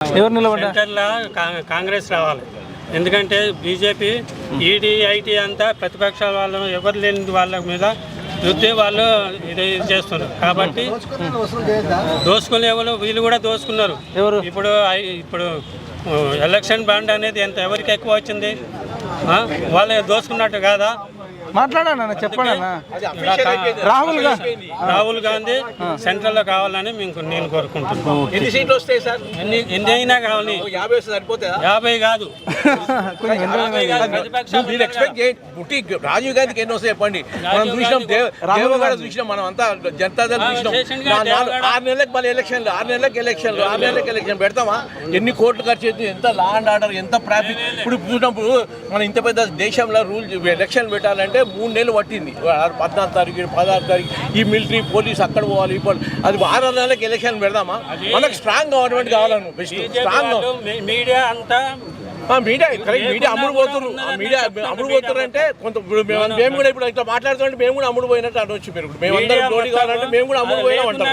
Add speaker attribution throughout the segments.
Speaker 1: ఎవరు నిలబడ్డా?
Speaker 2: సెంటర్లో కాంగ్రెస్ రావాలి. ఎందుకంటే బీజేపీ ఈడీ ఐటీ అంతా ప్రతిపక్షాల వాళ్ళు ఎవరు లేని వాళ్ళ మీద యుద్ధే వాళ్ళు ఇది చేస్తున్నారు. కాబట్టి దోసుకునే వాళ్ళు వీళ్ళు కూడా దోసుకున్నారు.
Speaker 1: ఎవరు
Speaker 2: ఇప్పుడు ఎలక్షన్ బాండ్ అనేది ఎంత ఎవరికి ఎక్కువ వచ్చింది, వాళ్ళు దోసుకున్నట్టు కాదా?
Speaker 1: మాట్లాడాను చెప్పండి.
Speaker 2: రాహుల్ గాంధీ సెంట్రల్ లో కావాలని నేను కోరుకుంటున్నాను.
Speaker 3: ఎన్ని సీట్లు వస్తాయి సార్?
Speaker 2: ఎన్ని అయినా కావాలి.
Speaker 3: 50 సరిపోతాయా?
Speaker 2: 50 కాదు.
Speaker 3: రాజీవ్ గాంధీకి ఎన్ని వస్తాయి చెప్పండి. మనం చూసినాం, దేవగడ చూసినాం, మనం అంతా జనతాదళ్ చూసినాం. 6 నెలలకు మళ్ళీ ఎలక్షన్లు, 6 నెలలకు ఎలక్షన్ పెడతామా? ఎన్ని కోట్లు ఖర్చు అవుతుంది, ఎంత లా అండ్ ఆర్డర్, ఎంత ట్రాఫిక్. ఇప్పుడు చూసినప్పుడు మనం ఇంత పెద్ద దేశంలో ఎలక్షన్ పెట్టాలంటే 3 నెలలు పట్టింది. 14 తారీఖు 16 తారీఖు ఈ మిలిటరీ పోలీస్ అక్కడ పోవాలి. ఇప్పుడు అది 6 నెలలకు ఎలక్షన్ పెడదామా? మనకు స్ట్రాంగ్ గవర్నమెంట్ కావాలను.
Speaker 2: మీడియా అంతా
Speaker 3: మీడియా అమ్ముడు పోతున్నారు అంటే కొంత మేము కూడా ఇప్పుడు ఇట్లా మాట్లాడుతుంటే మేము కూడా అమ్ముడు పోయినట్టు అనొచ్చు. మీరు మేమందరం జోడి కావాలంటే మేము కూడా అమ్ముడు పోయినా ఉంటాం.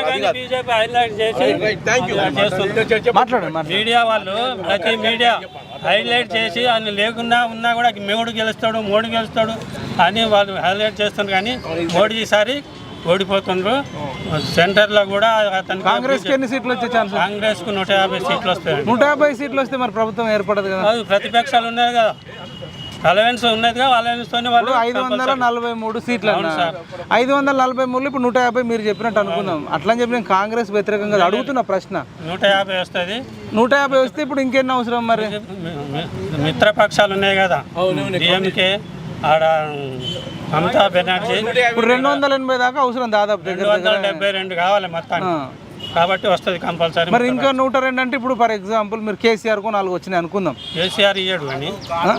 Speaker 2: మీడియా వాళ్ళు ప్రతి మీడియా హైలైట్ చేసి ఆయన లేకుండా ఉన్నా కూడా మోడీ గెలుస్తాడు అని వాళ్ళు హైలైట్ చేస్తున్నారు. కానీ మోడీ ఈసారి ఓడిపోతుండ్రు. సెంటర్లో కూడా అతను
Speaker 1: కాంగ్రెస్కి ఎన్ని సీట్లు వచ్చే ఛాన్స్?
Speaker 2: కాంగ్రెస్కు 150 సీట్లు వస్తాయి.
Speaker 1: 150 సీట్లు వస్తే మరి ప్రభుత్వం ఏర్పడదు కదా?
Speaker 2: ప్రతిపక్షాలు ఉన్నాయి కదా, అలవెన్స్ ఉన్నది కదా, అలవెన్స్తోనే వాళ్ళు
Speaker 1: 543 సీట్లు అన్న. 543 ఇప్పుడు 150 మీరు చెప్పినట్టు అనుకుందాం. అట్లా అని చెప్పి నేను కాంగ్రెస్ వ్యతిరేకంగా అడుగుతున్న ప్రశ్న.
Speaker 2: 150 వస్తుంది.
Speaker 1: 150 వస్తే ఇప్పుడు ఇంకెన్ని అవసరం? మరి
Speaker 2: మిత్రపక్షాలు ఉన్నాయి కదా, డిఎంకే, ఆడ మమతా బెనర్జీ,
Speaker 1: ఇప్పుడు 280 దాకా అవసరం దాదాపు.
Speaker 2: 272 కావాలి మొత్తానికి. కాబట్టి వస్తుంది కంపల్సరీ.
Speaker 1: మరి ఇంకా 102 అంటే ఇప్పుడు ఫర్ ఎగ్జాంపుల్ మీరు కేసీఆర్ కు 4 వచ్చినాయి అనుకుందాం.
Speaker 2: కేసీఆర్ ఇయ్యడు అని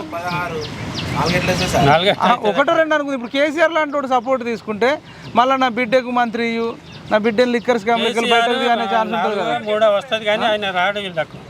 Speaker 1: 1-2 అనుకుంది. ఇప్పుడు కేసీఆర్ లాంటి సపోర్ట్ తీసుకుంటే మళ్ళీ నా బిడ్డకు మంత్రి నా బిడ్డను లిక్కర్స్ కెమికల్ బయటది అనే ఛాన్స్ ఉంటుంది కదా.
Speaker 2: కూడా వస్తుంది కానీ ఆయన రాడు.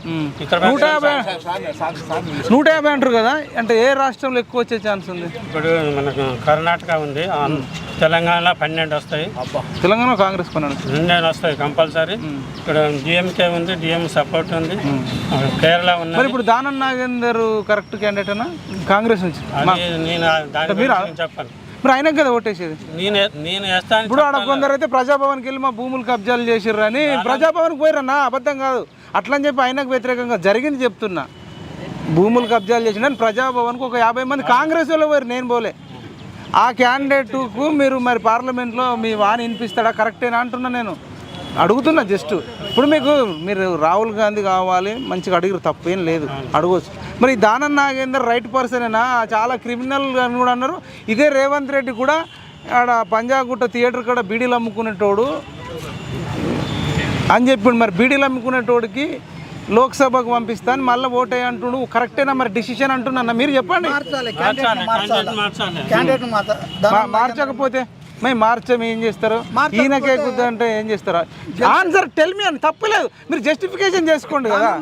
Speaker 1: 150 అంటారు కదా, అంటే ఏ రాష్ట్రంలో ఎక్కువ వచ్చే ఛాన్స్ ఉంది?
Speaker 2: ఇప్పుడు మనకు కర్ణాటక ఉంది, తెలంగాణలో 12 వస్తాయి.
Speaker 1: తెలంగాణ కాంగ్రెస్
Speaker 2: 12 వస్తాయి కంపల్సరీ. ఇక్కడ డిఎంకే ఉంది, డిఎం సపోర్ట్ ఉంది. కేరళ ఉంది.
Speaker 1: మరి ఇప్పుడు దానం నాగేందర్ కరెక్ట్ క్యాండిడేట్ అన్నా కాంగ్రెస్ నుంచి?
Speaker 2: నేను దాని చెప్పాను.
Speaker 1: మరి ఆయనకు కదా ఓటేసేది.
Speaker 2: నేను వేస్తాను.
Speaker 1: ఇప్పుడు ఆడ కొందరు అయితే ప్రజాభవన్కి వెళ్ళి మా భూములు కబ్జాలు చేసిర్రు అని ప్రజాభవన్కి పోయిరన్నా, అబద్ధం కాదు. అట్లా అని చెప్పి ఆయనకు వ్యతిరేకంగా జరిగింది చెప్తున్నా. భూములు కబ్జాలు చేసిన ప్రజాభవన్కి ఒక 50 మంది కాంగ్రెస్ వాళ్ళు పోయారు, నేను పోలే. ఆ క్యాండిడేట్కు మీరు మరి పార్లమెంట్లో మీ వాణి వినిపిస్తాడా? కరెక్టేనా అంటున్నా, నేను అడుగుతున్నా జస్ట్. ఇప్పుడు మీరు రాహుల్ గాంధీ కావాలి, మంచిగా అడిగిరు, తప్పేం లేదు, అడగవచ్చు. మరి దానం నాగేందర్ రైట్ పర్సనేనా? చాలా క్రిమినల్ అని కూడా అన్నారు. ఇదే రేవంత్ రెడ్డి కూడా ఆడ పంజాగుట్ట థియేటర్ కూడా బీడీలు అమ్ముకునేటోడు అని చెప్పిండు. మరి బీడీలు అమ్ముకునేటోడికి లోక్సభకు పంపిస్తాను మళ్ళీ ఓటే అంటుడు, కరెక్టేనా? మరి డిసిషన్ అంటున్నా, మీరు చెప్పండి. మార్చకపోతే మేము మార్చాము ఏం చేస్తారు? ఈయనకే కుద్దంటే ఏం చేస్తారు? ఆన్సర్ టెల్ మీ అని తప్పలేదు, మీరు జస్టిఫికేషన్ చేసుకోండి కదా.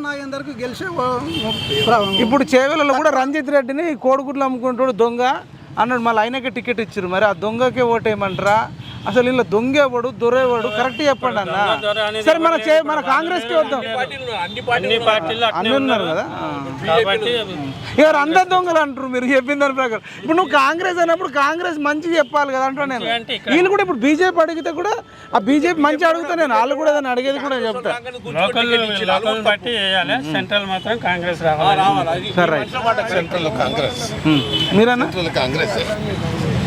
Speaker 1: ఇప్పుడు చేవెళ్ళలో కూడా రంజిత్ రెడ్డిని కోడిగుడ్లు అమ్ముకుంటాడు దొంగ అన్నాడు, మళ్ళీ ఆయనకే టికెట్ ఇచ్చారు. మరి ఆ దొంగకే ఓటేయమంటారా? అసలు ఇలా దొంగేవాడు దొరేవాడు కరెక్ట్ చెప్పండి అన్న. సరే మన కాంగ్రెస్కి వద్దాం, అన్ని ఉన్నారు కదా. ఎవరు అందరు దొంగలు అంటారు మీరు చెప్పిన దాని ప్రకారం. ఇప్పుడు నువ్వు కాంగ్రెస్ అన్నప్పుడు కాంగ్రెస్ మంచి చెప్పాలి కదా అంటా నేను. వీళ్ళు కూడా ఇప్పుడు బీజేపీ అడిగితే కూడా ఆ బీజేపీ మంచి అడుగుతా నేను, వాళ్ళు కూడా దాన్ని అడిగేది కూడా చెప్తా.
Speaker 2: బట్టి సెంట్రల్ మాత్రం కాంగ్రెస్ రావాలి.
Speaker 1: సరే మీరన్నా
Speaker 4: కాంగ్రెస్